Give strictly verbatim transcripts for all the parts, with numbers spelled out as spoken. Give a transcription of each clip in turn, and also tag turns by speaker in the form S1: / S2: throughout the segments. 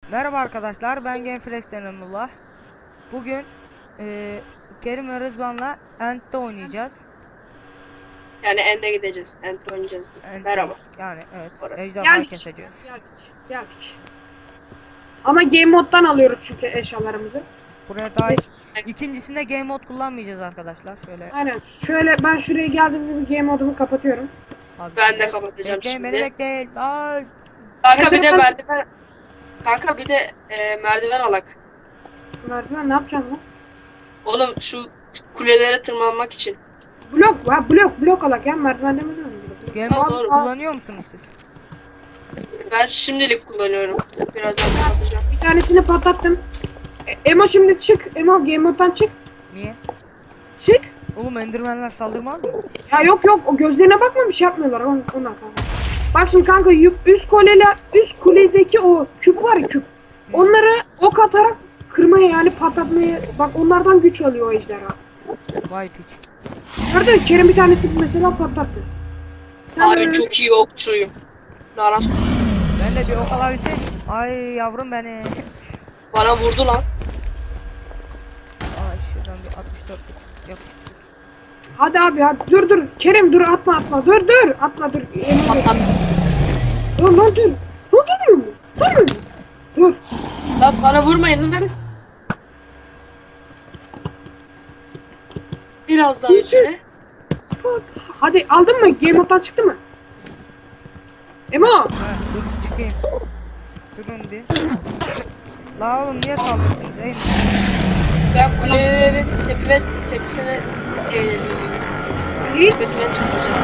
S1: Merhaba arkadaşlar, ben Genflex'ten Emrullah. Bugün e, Kerim ve Rızvan'la Ent'te oynayacağız.
S2: Yani End'e gideceğiz. End'de oynayacağız.
S1: Ent'teyiz.
S2: Merhaba.
S1: Yani evet,
S2: Orada.
S1: ejderha
S3: Geldik.
S1: keseceğiz.
S3: Geldik. Geldik. Ama game moddan alıyoruz çünkü eşyalarımızı.
S1: Buraya daha ikincisinde game mode kullanmayacağız arkadaşlar. Şöyle
S3: Aynen. Şöyle ben şuraya geldiğimde bir game modumu kapatıyorum.
S1: abi.
S2: Ben de kapatacağım
S1: Bekleyin, beni
S2: şimdi.
S1: bekleyin. Ay.
S2: Kanka bir de
S3: Merdiven-
S2: merdiven. Kanka bir de e, merdiven alak.
S3: Merdiven ne yapacaksın lan?
S2: Oğlum şu kulelere tırmanmak için.
S3: Blok var. Blok. Blok alak ya. Merdiven demedim mi? Blok.
S1: Game
S2: Ha,
S1: mode
S2: doğru.
S1: kullanıyor musunuz siz?
S2: Ben şimdilik kullanıyorum. Birazdan kapatacağım.
S3: Bir tanesini patlattım. E, Emo şimdi çık. Emo game moddan çık.
S1: Niye?
S3: Çık.
S1: Oğlum endermenler saldırmaz mı?
S3: Ya yok yok. O gözlerine bakma bir şey yapmıyorlar. On, onlar kanka. Bak şimdi kanka yük, üst kuleler, üst kuledeki o küp var ya küp. Onları ok atarak kırmaya yani patlatmaya bak onlardan güç alıyor o ejderha.
S1: Vay piç.
S3: Gördün mü? Kerem bir tanesi mesela patlattı. Sen
S2: Abi
S3: böyle-
S2: çok iyi okçuyum. Lanet
S1: Ben de bir ok alabilsem. Ay yavrum beni.
S2: bana vurdu lan.
S1: Ay şuradan bir altmış dört yap.
S3: Hadi abi hadi dur dur Kerem dur atma atma dur dur atma dur. Emin
S2: At
S3: ol.
S2: at.
S3: Dur lan dur. Dur dur dur. Dur. Dur.
S2: Lan bana vurmayın lan. Biraz daha üstüne.
S3: Bak. Hadi aldın mı? Game mode'dan çıktı mı? Emo.
S1: Ha, dur çıkayım. Durun bir. La oğlum niye saldırdınız ey?
S2: Ben kulelerin tepine, tepesine e,
S3: İyi.
S2: tepesine çıkacağım.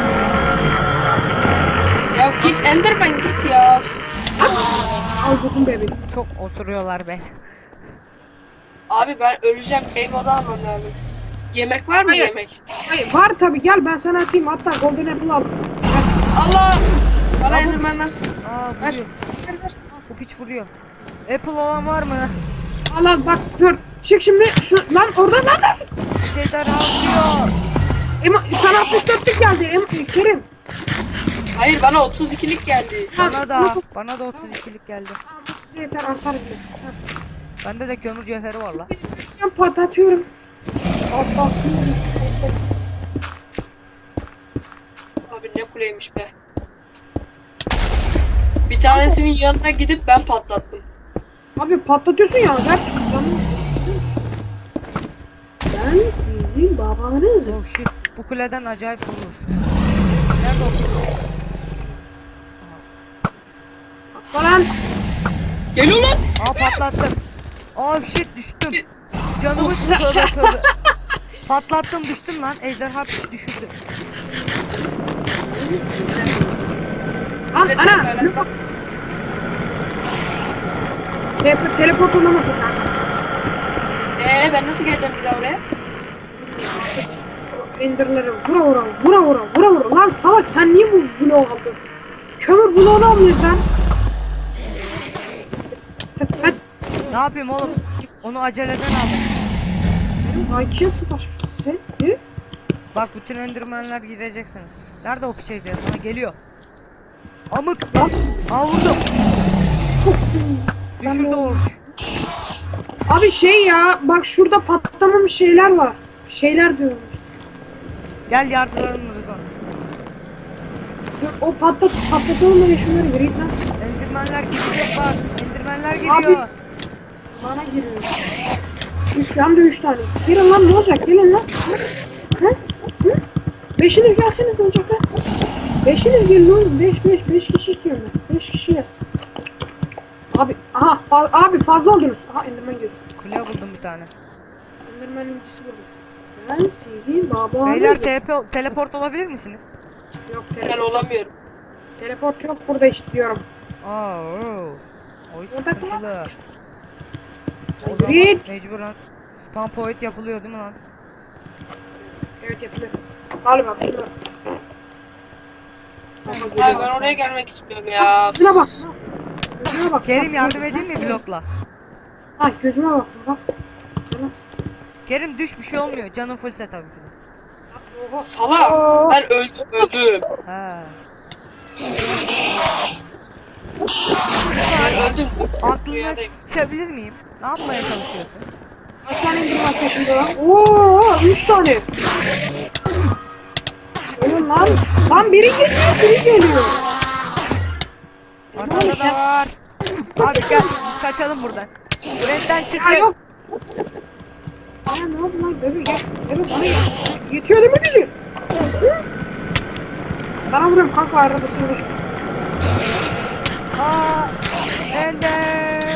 S2: Ya git Enderman git ya.
S3: Al buldum bebeğim.
S1: Çok osuruyorlar be.
S2: Abi ben öleceğim. Game moda almam lazım. Yemek var mı
S3: Hayır.
S2: yemek?
S3: Hayır var tabi gel ben sana atayım hatta golden apple al. Gel.
S2: Allah! Bana
S1: Abi-
S2: Enderman'lar...
S1: Aa
S2: Ver.
S1: vuruyor.
S2: Ver ver.
S1: Bu piç vuruyor. Apple olan var mı?
S3: Al al bak dur. Çık şimdi şu lan oradan lan lan.
S1: Şeyler alıyor.
S3: Emo sana altmış dörtlük geldi Em Kerim.
S2: Hayır bana otuz ikilik geldi.
S1: Bana da. Bana da otuz ikilik geldi.
S3: Tamam, bu size yeter artar bile. Ha.
S1: Bende de kömür cevheri var la.
S3: Ben patlatıyorum. Allah.
S2: Abi ne kuleymiş be. Bir tanesinin yanına gidip ben patlattım.
S3: Abi patlatıyorsun ya ver. Ben sizin babanızım.
S1: Oh shit. Bu kuleden acayip vurur. Nerede o kule?
S3: Falan.
S2: Geliyor lan!
S1: Aa patlattım. Oh shit düştüm. Canımı
S2: Of.
S1: tövbe tövbe. Patlattım düştüm lan. Ejderha piç düşürdü.
S3: Ah
S2: Size
S3: ana.
S2: tekrar-
S3: Bak. Tele teleport olamasın kanka.
S2: Ee ben nasıl geleceğim bir daha oraya?
S3: Enderleri vura vura vura vura vura vura. Lan salak sen niye bu bloğu aldın? Kömür bloğunu almıyorsun sen. Hadi hadi.
S1: Ne yapayım oğlum? Onu aceleden aldım.
S3: Benim I Q'ya sataşmış. Sen ne?
S1: Bak bütün endirmenler gireceksiniz. Nerede o piç ejderha? Sana geliyor. Amık.
S3: Lan.
S1: Aa vurdum.
S3: Ben
S1: Düşürdü
S3: de-
S1: o.
S3: Abi şey ya bak şurada patlamamış şeyler var. Şeyler diyorum.
S1: Gel yardıralım Rızvan.
S3: Dur, o patlat patlatalım da şunları gireyim lan.
S1: Endirmenler gidecek bak. Endirmenler geliyor.
S3: Bana giriyor. Üç hem de üç tane. Girin lan ne olacak? Gelin lan. Hı? Hı? Beşiniz gelseniz ne olacak lan? Beşiniz gelin oğlum. Beş beş beş kişi istiyorum ben. Beş kişi yaz. Abi aha fa- abi fazla oldunuz. Aha Enderman girdi.
S1: Kule buldum bir tane.
S3: Enderman'ın ikisi burada. Ben sizin babanızım.
S1: Beyler T P teleport olabilir misiniz?
S3: Yok
S2: Ben
S3: teleport.
S2: olamıyorum.
S3: Teleport yok burada işte diyorum.
S1: Aa, oo. Oy
S3: Orada
S1: sıkıntılı. O zaman
S3: Grid.
S1: mecburen spam point yapılıyor değil mi lan?
S3: Evet yapılır. Galiba şuna.
S2: Abi ben oraya gelmek istiyorum ya.
S3: Gözüne bak. Gözüne bak.
S1: Kerim
S3: Bak,
S1: yardım
S3: bak.
S1: edeyim mi blokla?
S3: Ha gözüme bak. Bak.
S1: Kerim düş bir şey olmuyor. Canın fullse tabii ki. de.
S2: Salak. Ben öldüm öldüm.
S1: He.
S2: Ben öldüm.
S1: Aklına
S2: Rüyadayım.
S1: sıçabilir miyim? Ne yapmaya çalışıyorsun?
S3: Kaç tane indirme peşinde lan? Oo, üç tane. Oğlum lan. Lan biri geliyor, biri geliyor.
S1: Arkada da var. Abi gel biz kaçalım buradan. Redden
S3: Ya
S1: çıkın.
S3: yok. Ya ne oldu lan? Bebe gel. Bebe bana gel. Yetiyor değil mi gücü? Bana vuruyorum kanka arabasını vur.
S1: Aa, Ender.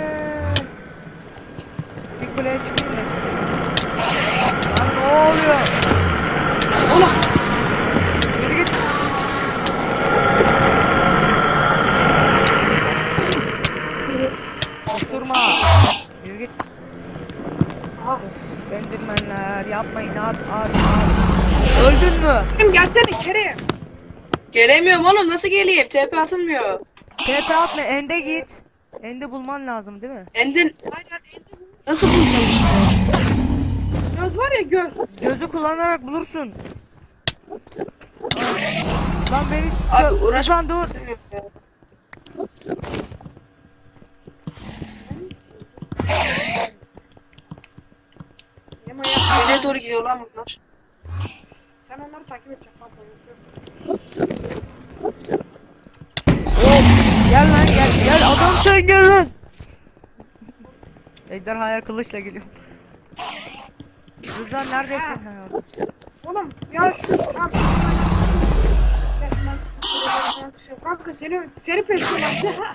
S1: Bir kuleye çıkayım da size. Lan ne oluyor?
S3: Oğlum.
S1: Yürü git. Osurma. Yürü git.
S3: Aha.
S1: Endirmenler yapmayın abi abi abi. Öldün mü?
S3: Kim gelsene içeriye.
S2: Gelemiyorum oğlum, nasıl geleyim? T P atılmıyor.
S1: T P atma ende git. Ende bulman lazım değil mi?
S2: Endin
S3: Aynen indi.
S2: nasıl bulacağım işte?
S3: Göz var ya göz.
S1: Gözü kullanarak bulursun. Lan beni
S2: Abi
S1: Rıdvan
S2: uğraşmak
S1: dur.
S2: istemiyorum ya.
S3: Yema ya.
S2: Nereye doğru gidiyor lan bunlar?
S3: Sen onları takip edeceksin kanka.
S1: Gel lan gel gel adam sen gel lan. Ejderhaya kılıçla geliyor. Rıdvan neredesin? Ha, oradasın.
S3: Oğlum ya şu ya, kanka seni seni peşliyorlar.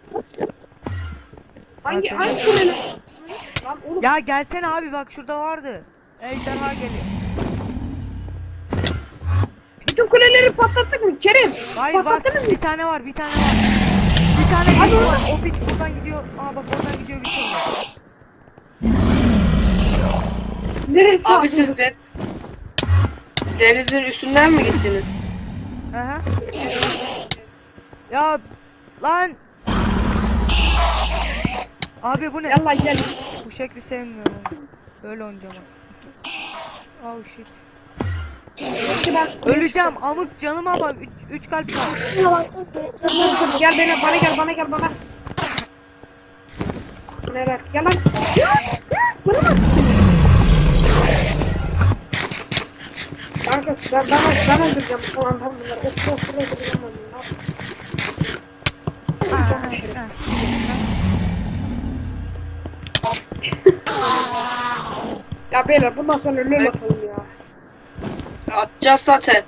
S3: Hangi
S1: Ha,
S3: hangi
S1: seni-
S3: kuleli? Lan oğlum
S1: Ya gelsene abi bak şurada vardı. Ejderha geliyor.
S3: bütün kuleleri patlattık mı Kerim?
S1: Hayır var.
S3: Patlattınız mı?
S1: Bir tane var bir tane var. Bir tane
S3: Hadi
S1: var.
S3: oradan.
S1: O piç buradan gidiyor. Aa bak oradan gidiyor gidiyor.
S3: Neresi
S2: Abi siz de denizin üstünden mi gittiniz?
S1: Aha. Ya lan. Abi bu ne?
S3: Yallah gel.
S1: Bu şekli sevmiyorum. Böyle oynayacağım. Oh shit.
S3: Peki ben
S1: Öleceğim amık canıma bak. Üç, üç kalp var.
S3: Gel bana bana gel bana gel bana. Nereye? Gel lan. Bana bak. Kanka ben ben ben öldüreceğim bu falan tam bunları. Of of of öldüreceğim ben.
S1: Aa,
S3: Ya beyler bundan sonra lol atalım ya.
S2: Atacağız zaten.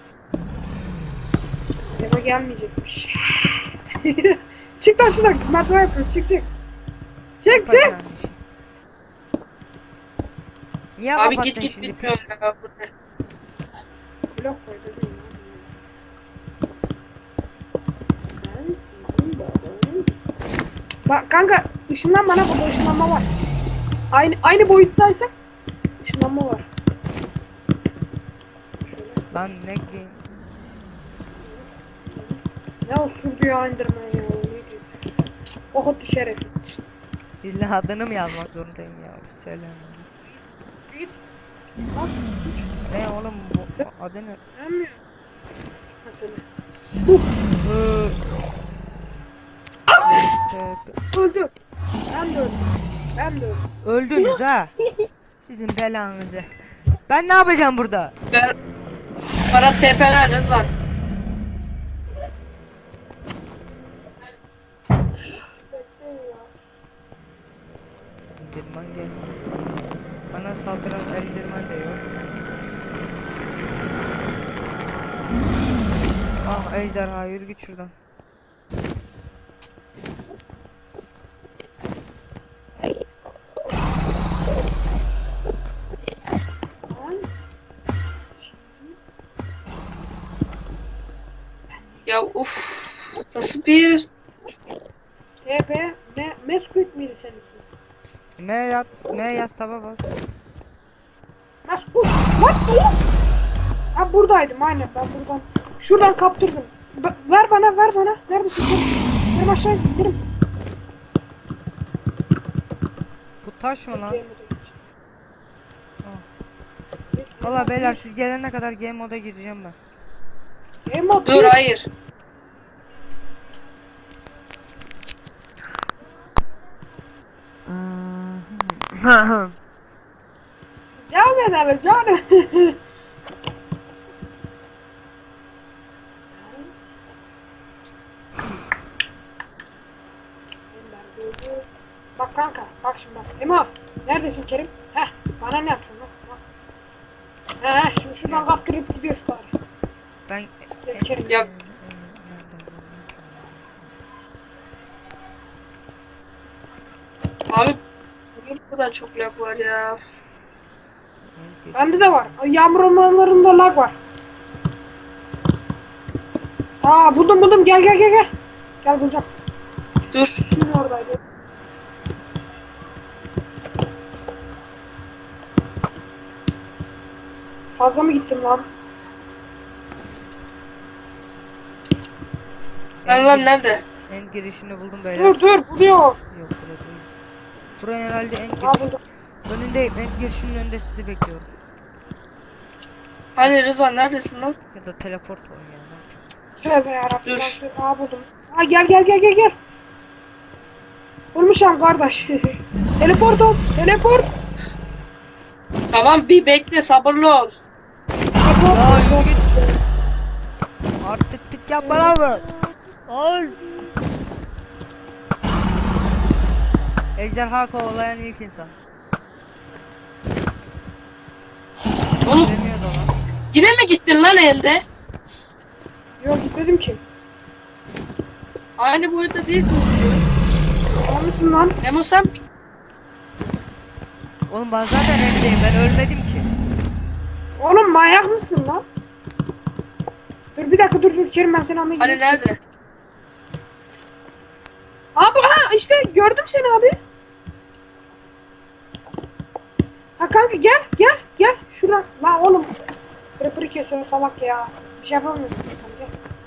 S3: Eva gelmeyecekmiş. Çık lan şuradan merdiven yapıyorum çık çık. Çık çık.
S1: Yapacağım bir şey. Niye
S2: Abi
S1: kapattın
S2: git git
S1: şimdi?
S2: bitmiyor ya. Bu ne?
S3: Blok koy dedim ya. Bak kanka ışınlan bana burada ışınlanma var. Aynı aynı boyuttaysak ışınlanma var. Şöyle.
S1: Lan ne ki?
S3: Ne o sürdü ya indirmen ya. O neydi? Okut düşerek.
S1: İlla adını mı yazmak zorundayım ya? Söyle.
S3: Git. Lan
S1: Ne oğlum bu adı ne?
S3: gelmiyor. Ha söyle.
S1: Hı. İşte,
S3: Öldü. Ben de öldüm. Ben de öldüm.
S1: öldünüz ha. Sizin belanızı. Ben ne yapacağım burada?
S2: Ben bana T P'ler Rızvan.
S1: Endirman gel. Bana saldıran endirman da yok. Ah ejderha yürü git şuradan.
S2: Ya uf. Nasıl bir
S3: T P ne? Meskut miydi senin ismin?
S1: M yat, M yaz taba bas.
S3: Meskut. What oğlum? Ha buradaydım aynen ben buradan. Şuradan kaptırdım. Ba- ver bana ver bana. Neredesin? Kerim? Kerim aşağı in. Kerim.
S1: Bu taş mı lan? Valla beyler siz gelene kadar game moda gireceğim ben.
S3: Game mode
S2: dur
S3: bir.
S2: hayır.
S3: Devam edelim canım. Bak kanka, bak şimdi bak. Emo, neredesin Kerim? Heh, bana ne yapıyorsun lan? Bak. Heh, şimdi şuradan kaptırıp gidiyoruz bari.
S1: Ben
S3: Gel Kerim.
S2: Yap. Abi bu da çok lag var ya.
S3: Bende de var. Yağmur ormanlarında lag var. Aa buldum buldum, gel gel gel gel. Gel bulacağım.
S2: Dur.
S3: Şimdi oradaydı. Fazla mı gittim lan?
S2: Ben lan nerede?
S1: En girişini buldum beyler.
S3: Dur dur, buluyor.
S1: Yok burada değil. Buraya herhalde en
S3: Aa
S1: giriş.
S3: buldum.
S1: Önündeyim. En girişinin önünde sizi bekliyorum.
S2: Hani Rıza neredesin lan?
S1: Ya da teleport var ya.
S3: Tövbe yarabbim.
S2: Dur.
S3: Aa buldum. Aa gel gel gel gel gel. Bulmuşam kardeş. Teleport ol. Teleport.
S2: Tamam bir bekle sabırlı ol.
S3: Teleport.
S1: Ya
S3: teleport.
S1: yürü git. Artık tık yapma lan bu. Ay. Ejderha kovalayan ilk insan.
S2: Oğlum
S1: Demiyordu lan.
S2: yine mi gittin lan elde?
S3: Yok gitmedim ki.
S2: Aynı boyutta değilsin.
S3: Olmuşsun lan.
S2: Nemo sen
S1: Oğlum ben zaten evdeyim. Ben ölmedim ki.
S3: Oğlum manyak mısın lan? Dur bir dakika dur dur Kerim, ben seni almaya
S2: hani
S3: gidiyorum.
S2: nerede?
S3: Abi ha işte gördüm seni abi. Ha kanka gel gel gel şuradan. Lan oğlum. Pırpırı kesiyor salak ya. Bir şey yapamıyorsun. Gel.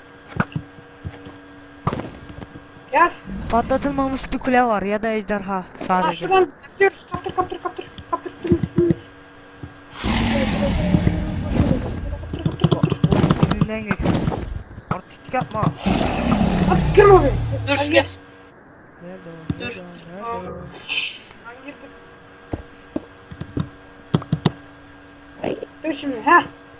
S3: Gel.
S1: Patlatılmamış bir kule var ya da ejderha
S3: Ha
S1: sadece.
S3: şuradan gidiyoruz. Kaptır kaptır kaptır. Kaptır üstümüz üstümüz.
S1: Önünden geçiyor. Artistik yapma.
S3: Hadi girme abi.
S2: Dur
S3: Hadi
S2: kes.
S1: Nerede o?
S2: Dur.
S1: Nerede o? Nerede o?
S3: Ben girdim. Dur şimdi ha.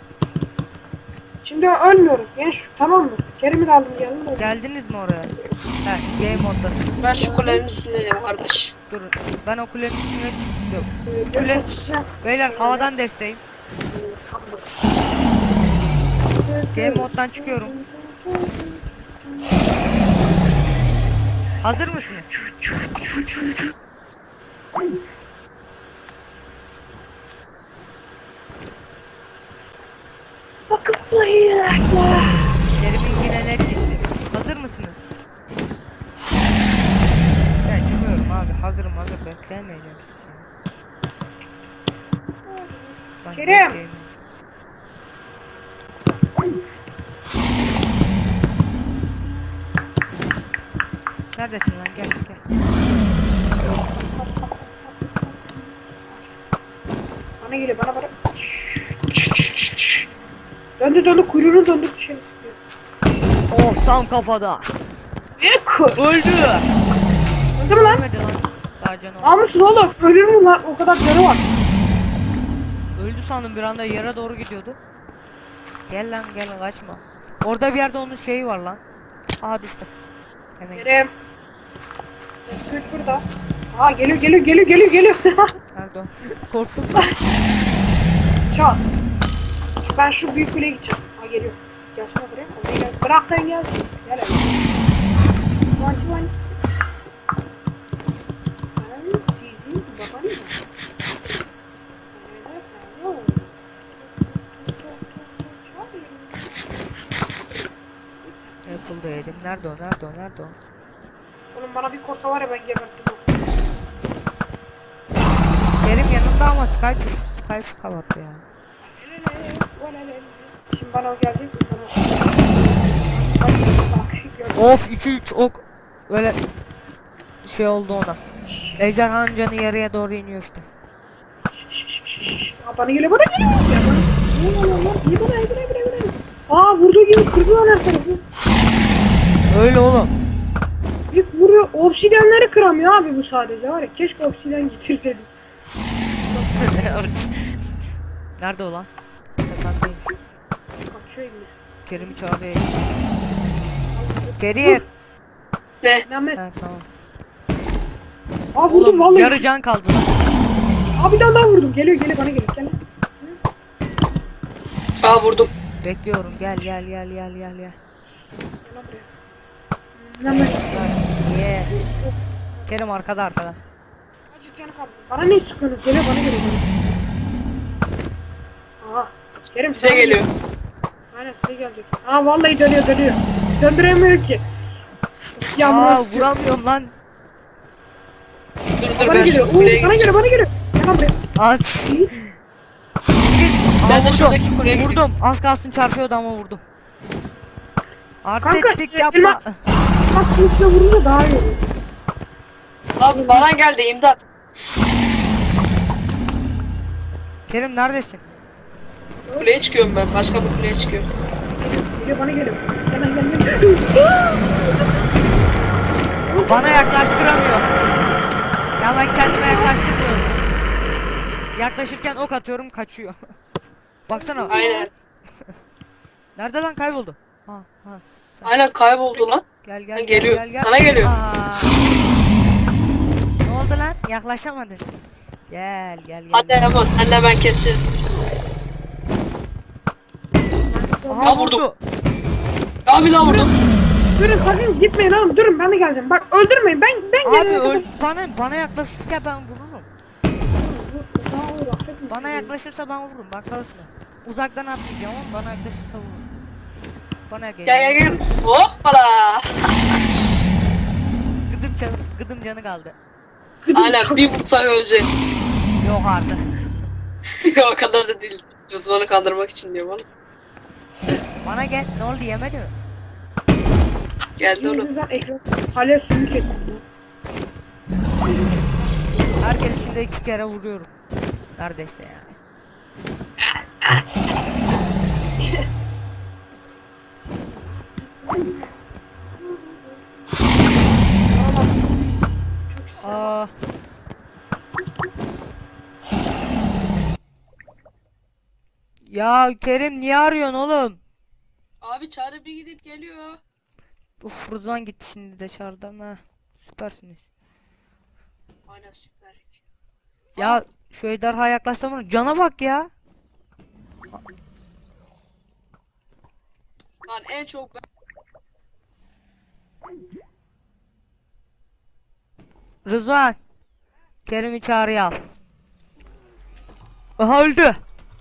S3: Şimdi ölmüyoruz genç, tamam mı? Kerim'i de aldım geldim de.
S1: Geldiniz mi oraya? He, game modda.
S2: Ben şu kulenin üstündeyim kardeş.
S1: Dur. Ben o kulenin üstüne çıktım.
S3: Ee, görüşürüz.
S1: Beyler havadan desteğim. Game moddan çıkıyorum. Hazır mısınız? Kerim'in yine net gitti. Hazır mısınız? Ben çıkıyorum abi. Hazırım hazır. Beklemeyeceğim. Lan
S3: Kerim!
S1: bekleyin. Neredesin lan? Gel gel.
S3: Bana geliyor bana bana. Döndü döndü kuyruğunu döndü dışarı.
S1: Oh tam kafada.
S3: Ek.
S1: Öldü.
S3: Öldü mü lan?
S1: Ölmedi lan. Daha canı var.
S3: Almışsın oğlum. Ölür mü lan? O kadar canı var.
S1: Öldü sandım bir anda yere doğru gidiyordu. Gel lan gel kaçma. Orada bir yerde onun şeyi var lan. Aha düştü. Hemen.
S3: Kerem. Özgür burada. Aa geliyor geliyor geliyor geliyor geliyor.
S1: Nerede o? Korktum lan.
S3: Çal. Ben şu büyük kuleye gideceğim. Aa geliyor. Gelsene buraya. Oraya gel. Bırak sen gelsin. Gel hadi. Van van. Ben sizin babanız.
S1: Apple'da yedim. Nerede o? Nerede o? Nerede o?
S3: Oğlum bana bir korsa var ya ben gebertim onu.
S1: Kerim yanımda ama Skype Skype kapattı ya.
S3: Şimdi bana o gelecek mi? Bana... Bak, gördüm.
S1: Of iki üç ok. Böyle şey oldu ona. Ejderhanın canı yarıya doğru iniyor işte.
S3: Aa, bana geliyor bana geliyor. Ya bana- Ne oluyor lan? İyi bana iyi bana iyi bana iyi bana. Aa vurduğu gibi kırdı lan her tarafı.
S1: Öyle oğlum.
S3: Bir vuruyor. Obsidiyenleri kıramıyor abi bu sadece var ya. Keşke obsidyen getirseydik.
S1: Nerede o lan? Tependeymiş.
S3: Kaçıyor gibi.
S1: Kerim'i çağırıyor. Kerim.
S2: Ne?
S3: Mehmet.
S1: Ha, tamam.
S3: Aa vurdum
S1: Oğlum
S3: vallahi.
S1: yarı can kaldı lan.
S3: Aa bir tane daha vurdum. Geliyor geliyor bana geliyor. Gel.
S2: Aa vurdum.
S1: Bekliyorum. Gel gel gel gel gel gel.
S3: Gel lan buraya. Mehmet.
S1: Yeah. Kerim arkada arkada.
S3: Azıcık canı kaldı. Bana ne sıkıyorsunuz? Geliyor bana geliyor. Bana. Aha. Kerim
S2: Bize
S3: sana
S2: geliyor.
S3: Aynen size gelecek. Aa vallahi dönüyor dönüyor. Döndüremiyor ki. Ya
S1: Aa
S3: Murat.
S1: vuramıyorum lan.
S2: Dur dur
S3: Bana
S2: ben
S3: geliyor.
S2: şu
S3: Oo,
S2: kuleye
S3: bana
S2: gideceğim.
S3: geliyor bana geliyor. Gel lan buraya.
S1: Az.
S2: Ben de şuradaki kuleye gideyim.
S1: Vurdum. Az kalsın çarpıyordu ama vurdum.
S3: Kanka,
S1: Artistik
S3: e,
S1: yapma.
S3: elma- Kaskın içine vurunca daha iyi olur.
S2: Abi bana geldi imdat.
S1: Kerim neredesin?
S2: Kuleye çıkıyorum ben. Başka bir kuleye çıkıyorum.
S3: Geliyor bana geliyor. Gel lan gel gel.
S1: Bana yaklaştıramıyor. Ya ben kendime yaklaştırmıyorum. Yaklaşırken ok atıyorum kaçıyor. Baksana.
S2: Aynen.
S1: Nerede lan kayboldu? Ha ha. Sen.
S2: Aynen kayboldu lan.
S1: Gel gel
S2: Ha,
S1: gel,
S2: geliyor.
S1: gel, gel.
S2: Sana geliyor.
S1: Aa. Ne oldu lan? Yaklaşamadın. Gel gel gel.
S2: Hadi ama senle ben keseceğiz.
S1: Aha,
S2: Ya vurdu.
S1: vurdu.
S2: Abi daha vurdum.
S3: Durun sakın gitmeyin oğlum durun ben de geleceğim. Bak öldürmeyin ben ben
S1: Abi
S3: gelene
S1: öl
S3: kadar-
S1: bana bana yaklaşırsa ben vururum.
S3: Daha olur, affetme.
S1: Bana yaklaşırsa ben vururum. Bak karşına. Uzaktan atmayacağım ama bana yaklaşırsa vururum. Bana gel.
S2: Gel gel gel. Hoppala.
S1: Gıdım canı, gıdım canı kaldı.
S3: Gıdım
S2: Aynen
S3: çok-
S2: bir vursak ölecek.
S1: Yok artık.
S2: O kadar da değil. Rızvan'ı kandırmak için diyor bana.
S1: Bana gel. Ne oldu yemedi mi?
S2: Geldi oğlum.
S3: Yüzünden ekran hala sümük ettim.
S1: Herkes içinde iki kere vuruyorum. Neredeyse yani. Aa. Ya Kerim niye arıyorsun oğlum?
S2: Abi çağrı bir gidip geliyor.
S1: Uf Rızvan gitti şimdi dışarıdan ha. Süpersiniz.
S2: Aynen süper.
S1: Ya şu ejderha yaklaşsam onu cana bak ya.
S2: Lan en çok ben...
S1: Rızvan. Kerim'i çağrıya al. Aha öldü.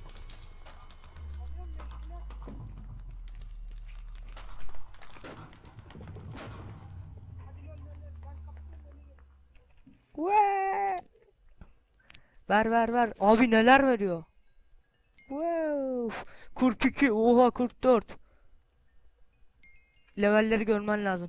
S1: Vee. Ver ver ver. Abi neler veriyor? Wow. kırk iki. Oha kırk dört. Levelleri görmen lazım.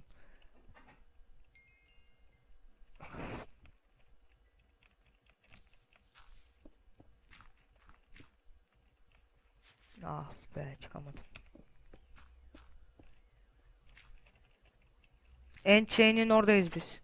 S1: Ah be çıkamadım. End chain'in oradayız biz.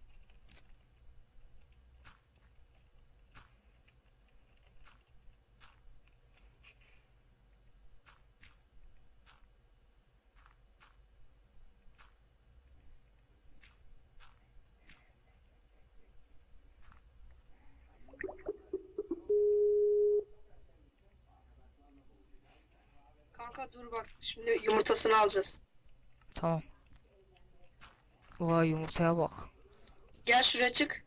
S2: Kanka dur bak şimdi yumurtasını alacağız.
S1: Tamam. Vay yumurtaya bak.
S2: Gel şuraya çık.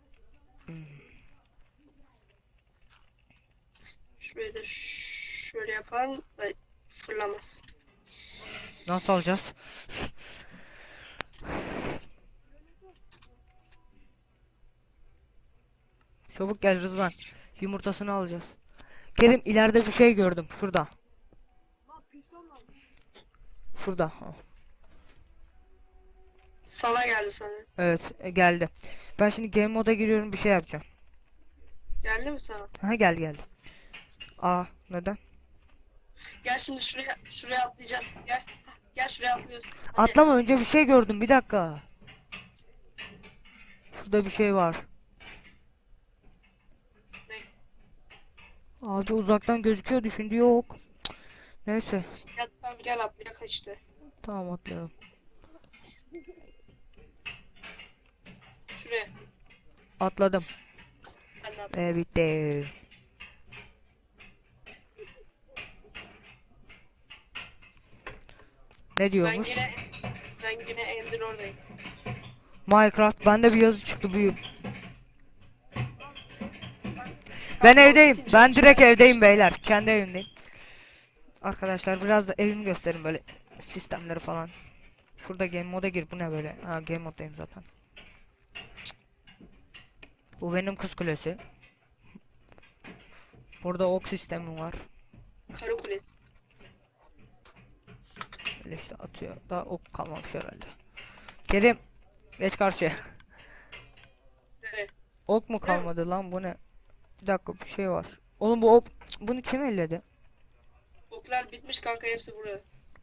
S2: Şurayı da ş- şöyle yapalım da fırlamaz.
S1: Nasıl alacağız? Çabuk gel Rızvan. Yumurtasını alacağız. Kerim ileride bir şey gördüm. Şurada. Şurada. Ha.
S2: Sana geldi sana.
S1: Evet e, geldi. Ben şimdi game moda giriyorum bir şey yapacağım.
S2: Geldi mi sana?
S1: Ha geldi geldi. Aa neden?
S2: Gel şimdi şuraya şuraya atlayacağız. Gel. Hah, gel şuraya atlıyoruz. Hadi.
S1: Atlama önce bir şey gördüm bir dakika. Şurada bir şey var.
S2: Ne?
S1: Abi uzaktan gözüküyordu şimdi yok. Neyse.
S2: Gel tamam gel atlayak işte.
S1: Tamam atlayalım.
S2: Şuraya.
S1: Atladım.
S2: Ben de at.
S1: Ve bitti. Ne
S2: Ben
S1: diyormuş?
S2: yine ben yine Ender oradayım.
S1: Minecraft bende bir yazı çıktı bu. Ben
S2: Kanka,
S1: evdeyim.
S2: bitince
S1: Ben
S2: hiç
S1: direkt
S2: önemli
S1: evdeyim
S2: değil.
S1: beyler. Kendi evimdeyim. Arkadaşlar biraz da evimi gösterin böyle sistemleri falan. Şurada game moda gir. Bu ne böyle? Ha game moddayım zaten. Bu benim kız kulesi. Burada ok sistemi var.
S2: Karı kulesi.
S1: Öyle işte atıyor. Daha ok kalmamış herhalde. Kerim geç karşıya.
S2: Nereye?
S1: Ok mu kalmadı lan bu ne? Bir dakika bir şey var. Oğlum bu ok bunu kim elledi?
S2: Oklar bitmiş kanka hepsi buraya.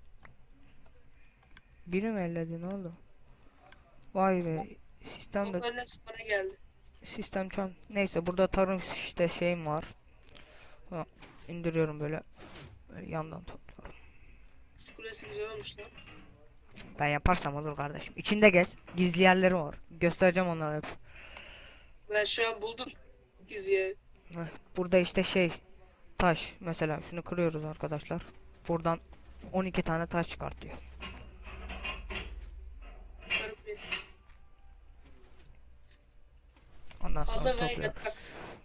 S1: Biri mi elledi ne oldu? Vay be. Sistemde
S2: Okların hepsi bana geldi.
S1: sistem çan. Neyse burada tarım işte şeyim var. Ha, indiriyorum böyle. Böyle yandan topluyorum.
S2: Kız kulesi güzel olmuş lan.
S1: Ben yaparsam olur kardeşim. İçinde geç. Gizli yerleri var. Göstereceğim onları hep.
S2: Ben şu an buldum gizliye.
S1: Heh, burada işte şey taş mesela şunu kırıyoruz arkadaşlar. Buradan on iki tane taş çıkartıyor.
S2: Karı kulesi.
S1: Ondan sonra
S2: Halı ve
S1: topluyoruz.
S2: yatak.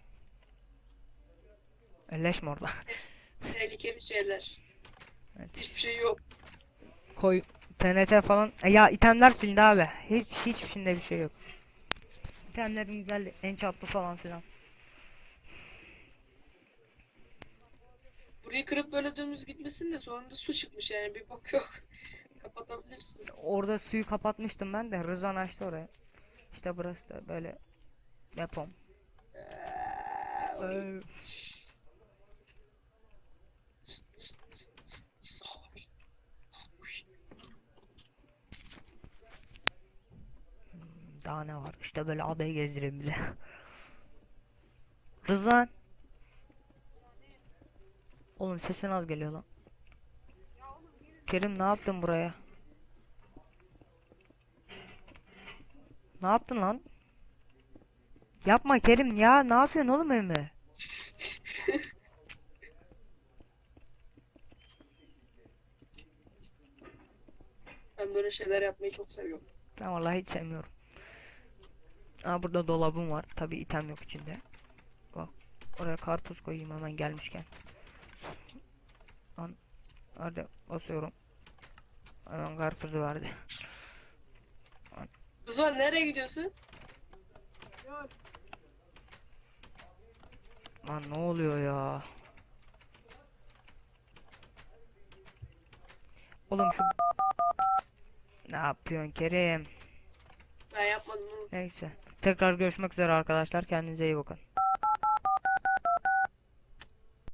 S1: Elleşme orada.
S2: Tehlikeli şeyler.
S1: Evet.
S2: Hiçbir şey yok.
S1: Koy T N T falan. E ya itemler silindi abi. Hiç hiç içinde bir şey yok. İtemlerin güzeldi. Enchantlı falan filan.
S2: Burayı kırıp böyle dümdüz gitmesin de sonunda su çıkmış yani bir bok yok. Kapatabilirsin.
S1: Orada suyu kapatmıştım ben de. Rızvan açtı oraya. İşte burası da böyle depom. Ee, Daha ne var? İşte böyle adayı gezdireyim bize. Rızvan. Oğlum sesin az geliyor lan. Kerim ne yaptın buraya? Ne yaptın lan? Yapma Kerim ya. Ne yapıyorsun oğlum evime?
S2: Ben böyle şeyler yapmayı çok seviyorum.
S1: Ben vallahi hiç sevmiyorum. Aa burada dolabım var. Tabi item yok içinde. Bak. Oraya karpuz koyayım hemen gelmişken. Lan. Hadi basıyorum. Hemen karpuzu verdi.
S2: Rızvan nereye gidiyorsun?
S1: Lan ne oluyor ya? Oğlum şu... Ne yapıyorsun Kerim?
S2: Ben yapmadım onu.
S1: Neyse. Tekrar görüşmek üzere arkadaşlar. Kendinize iyi bakın.